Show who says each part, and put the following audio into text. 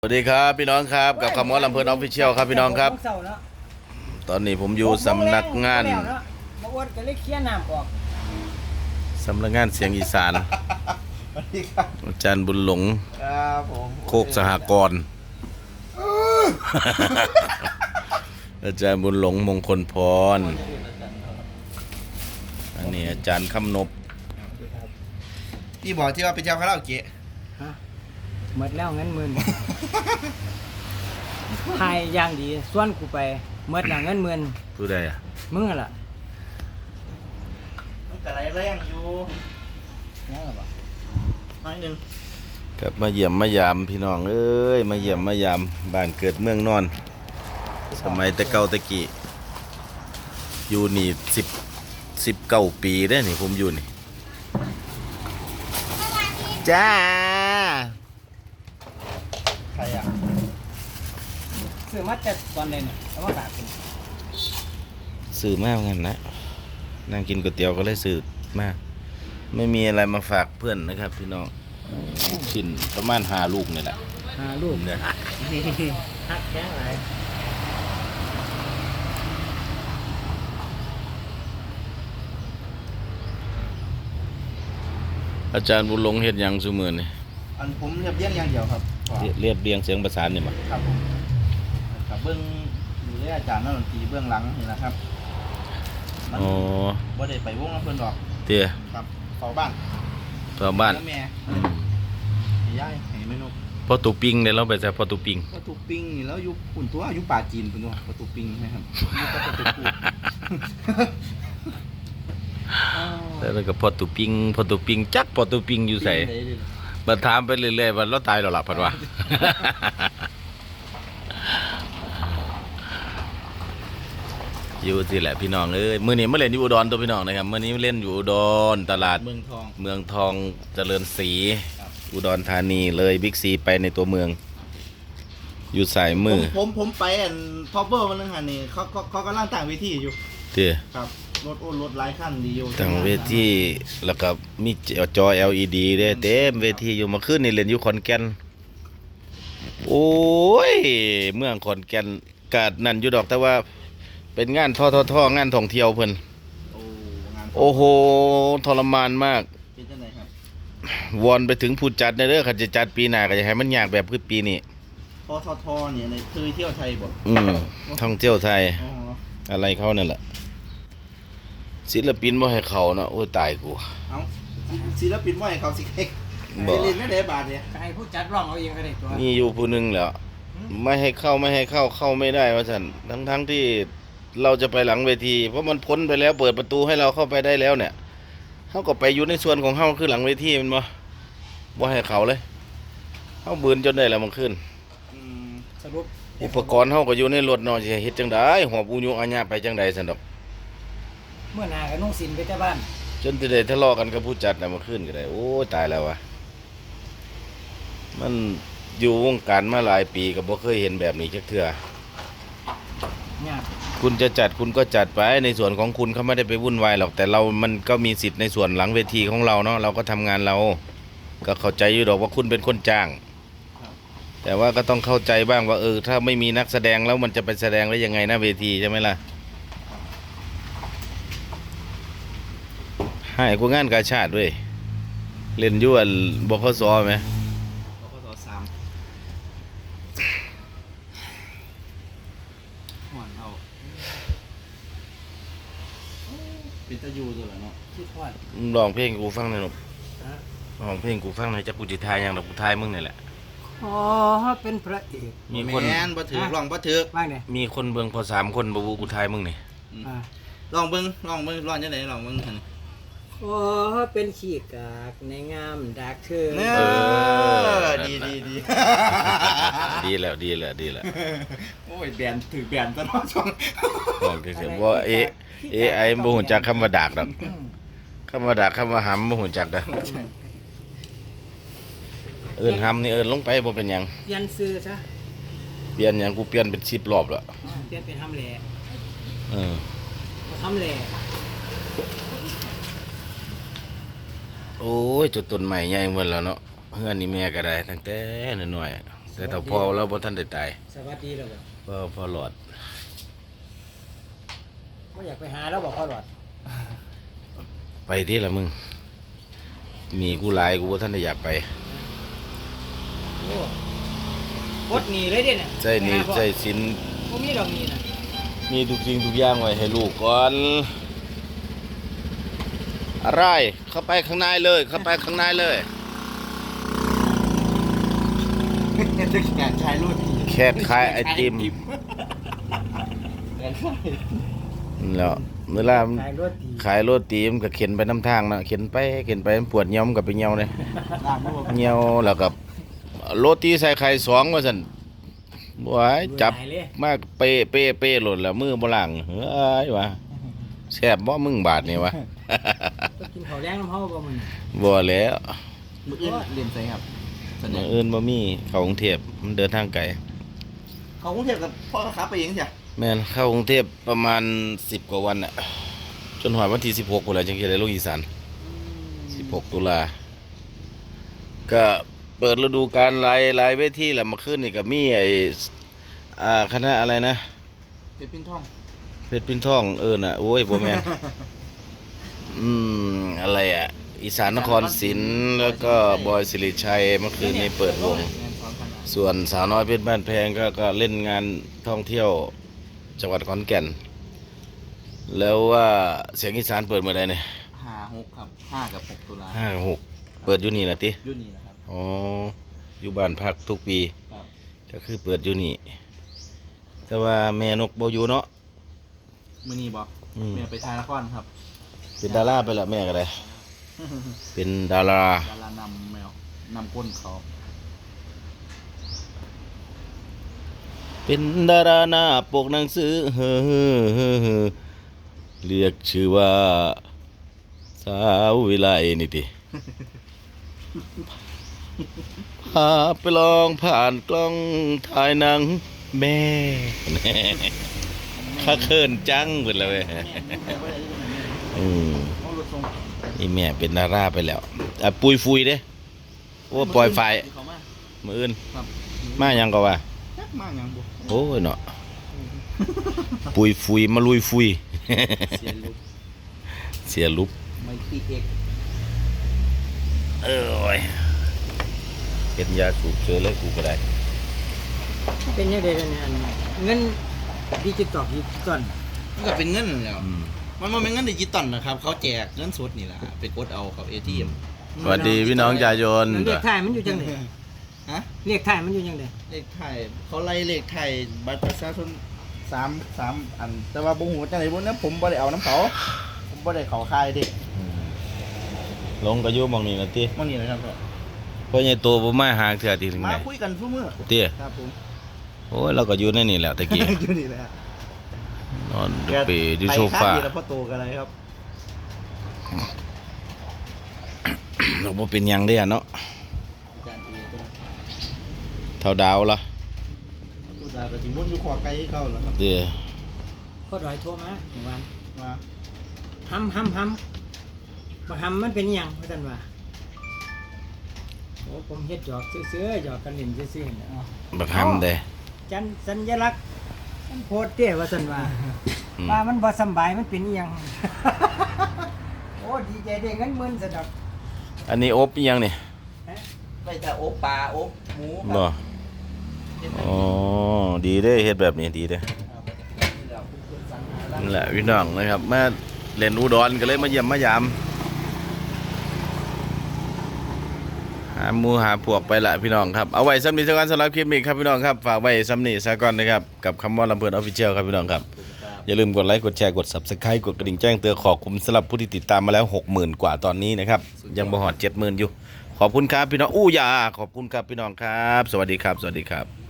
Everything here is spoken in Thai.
Speaker 1: สวัสดีครับพี่น้องครับกับคำว่าลำเพลินออฟฟิเชียลครับพี่น้องครับตอนนี้ผมอยู่สำนักงานสำนักงานเสียงอีสานอาจารย์บุญหลงโคกสหกรณ์อาจารย์บุญหลงมงคลพรอันนี้อาจารย์คำนบ
Speaker 2: นี่บอกที่ว่าเป็นเจ้าคาราโอเกะ
Speaker 3: หมดแล้วเงินหมื่นทายอย่างดีส่วนกูไปหมดแล้วเงินหมื่น
Speaker 1: ผู้ใดอ่ะ
Speaker 3: มึงล่ะ
Speaker 2: มันกระไรแรงอยู่
Speaker 3: นั่นหรอปะ
Speaker 2: น้อยหนึ่ง
Speaker 1: กับมาเยี่ยมมายามพี่น้องเอ้ยมาเยี่ยมมายามบ้านเกิดเมืองนอนสมัยแต่เก่าตะกี้อยู่นี่19 ปีได้นี่ผมอยู่นี่จ้า
Speaker 2: ใครอ่ะ
Speaker 3: ซื้อมาจากตอนเด่นแล้วมาฝากกิน
Speaker 1: ซื้อมากงั้นนะนั่งกินก๋วยเตี๋ยวก็เลยซื้อมาไม่มีอะไรมาฝากเพื่อนนะครับพี่น้องชิ้นประมาณ5 ลูกนี่แหละ
Speaker 3: 5 ลูก
Speaker 1: เนี่ย
Speaker 3: ฮักแข็งไร
Speaker 1: อาจารย์บุญหลงเฮ็ดหยังซุมื้อนี่
Speaker 2: อันผมเรียบเรียงอย่างเดียวครับ
Speaker 1: เรียบเรียงเสียงประสานนี่มั้ย
Speaker 2: ครับผมกับเบื้องดูแลอาจารย์นักดนตรีเบื้องหลังนี่นะครับ
Speaker 1: อ๋อ
Speaker 2: บ่ได้ไปวงน้ำเพิ่นดอก
Speaker 1: เตี้ย
Speaker 2: ครับเฝ้าบ้านแม่ย่ายให้แม่นก
Speaker 1: พอตูปิงเนี่ยเราไปแต่พอตูปิง
Speaker 2: พอตูปิงนี่แล้วอยู่ปุ่นตัวอยู่ป่าจีนปุ่นตัวพอตูปิงนะครับอยู่กับพอตูปู
Speaker 1: แล้วก็พอตูปิงจักพอตูปิงอยู่ใส่มาถามไปเรื่อยๆว่าเราตายแล้วล่ะพัดว่าอยู่สิแหละพี่น้องเอ้ยมื้อนี้มาเล่นอยู่อุดรตัวพี่น้องนะครับมื้อนี้เล่นอยู่อุดรตลาดเมืองทองเจริญศรีอุดรธานีเลยบิ๊กซีไปในตัวเมืองอยู่สายมือ
Speaker 2: ผมไปอันพอเบอร์มันนึงหันนี่เขากำลังต่างเวทีอยู่
Speaker 1: เตี้ย
Speaker 2: ครับรถหลายคันดีอยู่
Speaker 1: ต่างเวทีแล้วก็มีจอ LED ได้เต็มเวทีอยู่มาขึ้นนี่เล่นอยู่ขอนแก่นโอ้ยเมืองขอนแก่นกาดนั่นอยู่ดอกแต่ว่าเป็นงานท่องานท่องเที่ยวเพิ่นโอ้โหทรมานมาก
Speaker 2: เป็นจังไดครับ
Speaker 1: วอนไปถึงผู้จัดเด้อคันจะจัดปีหน้าก็จะให้มันยากแบบคือปีนี้
Speaker 2: ทเนี่ยในเคยเที่ยวไทยบ่
Speaker 1: ท่องเที่ยวไทยอะไรเขานั่นแหละศิลปินบ่ให้เขาเนาะโอ้ยตายกู
Speaker 2: เอ้าศิลปินบ่ให้เขาสิเค้กบ่เล่นไม่ได้บาทเนี่ย
Speaker 3: ให้ผู้จัดร้องเอาเองก็ได้ตัว
Speaker 1: นี่อยู่ผู้นึงแล้วไม่ให้เข้าไม่ได้ว่าซั่นทั้งที่เราจะไปหลังเวทีเพราะมันพ้นไปแล้วเปิดประตูให้เราเข้าไปได้แล้วเนี่ยเฮาก็ไปอยู่ในส่วนของเฮาคือหลังเวทีมันบ่ให้เขาเลยเฮาบืนจนได้แล้วมันขึ้น
Speaker 3: สรุป
Speaker 1: อุปกรณ์เฮาก็อยู่ในรถเนาะสิเฮ็ดจังได๋หอบอุยุอาญาไปจังได๋ซั่นดอก
Speaker 3: เมื่อหน้าก็นุ่งสินไปแต่บ้าน
Speaker 1: จนสิได้ทะเลาะกันกับผู้จัดน่ะมันขึ้นก็ได้โอ้ตายแล้วว่ะมันอยู่วงการมาหลายปีก็บ่เคยเห็นแบบนี้จักเทื่อคุณจะจัดคุณก็จัดไปในส่วนของคุณเขาไม่ได้ไปวุ่นวายหรอกแต่มันก็มีสิทธิ์ในส่วนหลังเวทีของเราเนาะเราก็ทำงานเราก็เข้าใจอยู่ดอกว่าคุณเป็นคนจ้างแต่ว่าก็ต้องเข้าใจบ้างว่าถ้าไม่มีนักแสดงแล้วมันจะไปแสดงได้ยังไงนะเวทีใช่ไหมล่ะให้กูงานกาชาติด้วยเล่นยั่วบขสไหม
Speaker 2: บขส3หวานเอาเป็นตะยูตัวละเนาะ
Speaker 3: คิดฮอด
Speaker 1: ร้องเพลงกูฟังหน่อยหนุ่มร้องเพลงกูฟังหน่อยจะกูจิทายอย่างดอกกูทายมึงนี่แหละ
Speaker 3: ขอเป็นพระเอก
Speaker 1: มีคน
Speaker 2: แม่นบ่ถือร้องบ่ถือ
Speaker 3: บ้างเนี่ย
Speaker 1: มีคนเบิ่งพอ3 คนบ่วูกูทายมึงนี่
Speaker 2: ลองเบิ่งร้องจังได๋ลองเบิ่งหั่น
Speaker 3: ขอเป็นขี้กากในงามดักเธอ
Speaker 2: ดี
Speaker 1: ดีแล้ว
Speaker 2: โอ้ยแบนถือแบนตลอดช่อง
Speaker 1: บอกเฉยๆว่าAI บ่ฮู้จักคำว่าดากดอกคำว่าดากคำว่าหำบ่ฮู้จักดอกหำนี่ลงไปบ่เป็นหยัง
Speaker 3: เปลี่ยนชื่อซะ
Speaker 1: เปลี่ยนหยังกูเปลี่ยนเป็น10 รอบแล้ว
Speaker 3: เปลี่ยนเป็นหำแหล่
Speaker 1: ห
Speaker 3: ำแหล่
Speaker 1: โอ้ยจุดต้นใหม่ใหญ่หมดแล้วเนาะเฮือนนี่แม่ก็ได้ตั้งแต่น้อยๆแต่ถ้าพอเราบ่ทันได้ตาย
Speaker 3: สวัสดีแล้วบ่
Speaker 1: พอหลอด
Speaker 3: บ่อยากไปหาแล้วบอกพ่อหลอด
Speaker 1: ไปที่ละมึง มีกูหลายกูบ่ทันได้อยากไป
Speaker 3: โอ้กดหนีเลยเด้เนี่ย
Speaker 1: ใจนี่ใจสิน
Speaker 3: บ่มีดอกหนีน่ะ
Speaker 1: มีทุกสิ่งทุกอย่างไว้ให้ลูกก่อน อะไรเข้าไปข้างในเลย เข้าไปข้างในเลย
Speaker 2: จะแข่งชายรุ่น
Speaker 1: แค่ขายไอติม แล้วเวลา
Speaker 3: ขายรถดี
Speaker 1: ขายโรตีมันก็เข็นไปน้ำทางนะเข็นไปมันปวดเหี่ยวมันก็ไปเหี่ยวเลย
Speaker 2: ล่างไม่บอก
Speaker 1: เหี่ยวแล้วก็โรตีใส่ไข่สองว่าซั่นบ่ไหวจับ
Speaker 3: หายเลย
Speaker 1: มากเป้หล่นแล้วมือบ่ล้างเฮ้ยวะแซ่บบ่มึงบาดนี่วะ
Speaker 3: ก็กินข้าวแดงน้ำเฮาบ่มึง
Speaker 1: บ่แล้ว
Speaker 2: มืออื่นเรียนไสครับส
Speaker 1: มื้
Speaker 2: นิ
Speaker 1: อ
Speaker 2: ท
Speaker 1: อื่นบ่มีเข้ากรุงเทพมันเดินทางไกล
Speaker 2: เขากรุงเทพกับพ่อค้าไปเองใช่
Speaker 1: แม่นเข้ากรุงเทพประมาณ10กว่าวันน่ะจนฮอดวันที่16พุ่นแหละจังสิได้ลงอีสาน16ตุลาก็เปิดฤดูกาลหลายเวทีแล้วเมาขึ้นนี่ก็มีไอ้คณะอะไรนะ
Speaker 2: เป็นปิ้นท่อง
Speaker 1: เพชรพินทองน่ะโอ้ยบ่แม่น อะไรอ่ะอีสานนครศรีแล้วก็บอยสิริชัยเมื่อคืนนี้เปิดวง
Speaker 2: งานซ้อมกันนะ
Speaker 1: ส่วนสาวน้อยเพชรบ้านแพงก็เล่นงานท่องเที่ยวจังหวัดขอนแก่น แล้วว่าเสียงอีสานเปิดเมื่อใดเนี่ย
Speaker 2: 5-6ครับ5กับ6ตุลา
Speaker 1: ห้าหกเปิดอยู่นี่นะติ
Speaker 2: ยุ่นนี่นะครับ
Speaker 1: อ๋ออยู่บ้านพักทุกปี
Speaker 2: ครับ
Speaker 1: ก็คือเปิดอยู่นี่ แต่ว่าแม่นกบ่อยู่เนาะ
Speaker 2: มื้อนี้บอก
Speaker 1: อืม
Speaker 2: แม่ไปถ่ายละครครับ
Speaker 1: เป็นดาราไปละแม่ก็ได้เป็นดารา
Speaker 2: ดารานำแมวนำก้นเขา
Speaker 1: เป็นดาราหน้าปกหนังสือเรียกชื่อว่าสาววิไลนี่ติ พาไปลองผ่านกล้องถ่ายหนังแม่ ข้าเขินจังเบิดแล้วเว้ยอืม
Speaker 2: เอารถส่ง
Speaker 1: นี่แม่เป็นดาราไปแล้วปุยฟุยเด้โอ้ปล่อยไฟ
Speaker 2: เขามา
Speaker 1: มืออื่น
Speaker 2: ครับ
Speaker 1: มายังก็ว่า
Speaker 2: จักมาหยังบ่
Speaker 1: โอ้ยเนาะปุยฟุยมาลุยฟุย
Speaker 2: เสียลูก
Speaker 1: เสียลุก
Speaker 2: ไม่ตีเอก
Speaker 1: เอ้ยเห็นยาสูบเจอเลยกูก็ได้
Speaker 3: เป็นยังไงเดี๋ยวนี้อันเงินดิจิตอล
Speaker 2: มันก็เป็นเงินนั่นแหล้ว
Speaker 1: อืม
Speaker 2: มันบ่เป็นเงินดิจิตอลนะครับ เขาแจกเงินสดนี่แหละไปกดเอากับ ATM
Speaker 1: สวัสดีพี่น้องจายน
Speaker 3: มันเลขไทายมันอยู่จังได๋
Speaker 2: ฮะ
Speaker 3: เลขไทายมันอยู่จังได๋
Speaker 2: เลขไทยเขาไล่เลขไทยบัตรประชาชน3อัน แต่ว่าบ่ฮู้จังได๋บ่นะผมบ่ได้เอาน้ำเขาผมบ่ได้เขาค่ายเด็ก
Speaker 1: ลงกระยุมองนี่นะติ
Speaker 2: มันนี่นะครับพ่อ
Speaker 1: เพราะไงตัวบ่มาหาเถื่อทีถึง
Speaker 2: มา
Speaker 1: ไหน
Speaker 2: คุยกันซุมื้อ
Speaker 1: เตี้ย
Speaker 2: ครับผม
Speaker 1: โอ้ยเราก็อยู่ในนี่แหละตะกี้
Speaker 2: อยู่นี่แหละ
Speaker 1: นอนดูปีอยู่โซฟา
Speaker 2: ไปข้งเดียวแล้วพ่อโตกันอะไรครับ
Speaker 1: เราบ่เป็นหยังได้อะเนาะ
Speaker 2: อาจารย์ตีตัว
Speaker 1: เท่าดาวละ
Speaker 2: ตัวดาวก็สิวนอยู่ขวาไกลเข้าแล้วครับ
Speaker 1: เตี้ย
Speaker 3: พ่อดอยโทรมาเมื่อวาน
Speaker 2: มา
Speaker 3: หำบ่หำมันเป็นหยังว่าซั่นว่าโอ้ผมเฮ็ดหยอกซื่อๆหยอกกันเล่นซื่อๆน่ะ
Speaker 1: บักหำเด้
Speaker 3: จันสัญลักษณ์มันโพดเด้ว่าซั่นว่า
Speaker 1: อืม
Speaker 3: ว่ามันบ่สำบายมันเป็นอีหยัง โอ้ดีใจได้เงินหมื่นซะดอก
Speaker 1: อันนี้อบอีหยังนี่
Speaker 2: ไปแต่โอ๊บปลาโอ๊บหมูค
Speaker 1: บ่
Speaker 2: รับ
Speaker 1: อ๋อดีเด้เฮ็ดแบบนี้ดีเด้นั่นแหละพี่น้องนะครับมาเล่นอุดรก็เลยมาเยี่ยมมายามหาหมู่หาพวกไปละพี่น้องครับเอาไว้ซ้ำนี้สักวันสำหรับคลิปนี้ครับพี่น้องครับฝากไว้ซ้ำนี้ซะก่อนนะครับกับคำว่าลำเพลินออฟฟิเชียลครับพี่น้องครับอย่าลืมกดไลค์กดแชร์กด Subscribe กดกระดิ่งแจ้งเตือนขอบคุณสำหรับผู้ที่ติดตามมาแล้ว 60,000 กว่าตอนนี้นะครับยังบ่ฮอด 70,000 อยู่ขอบคุณครับพี่น้องอู้ยาขอบคุณครับพี่น้องครับ สวัสดีครับ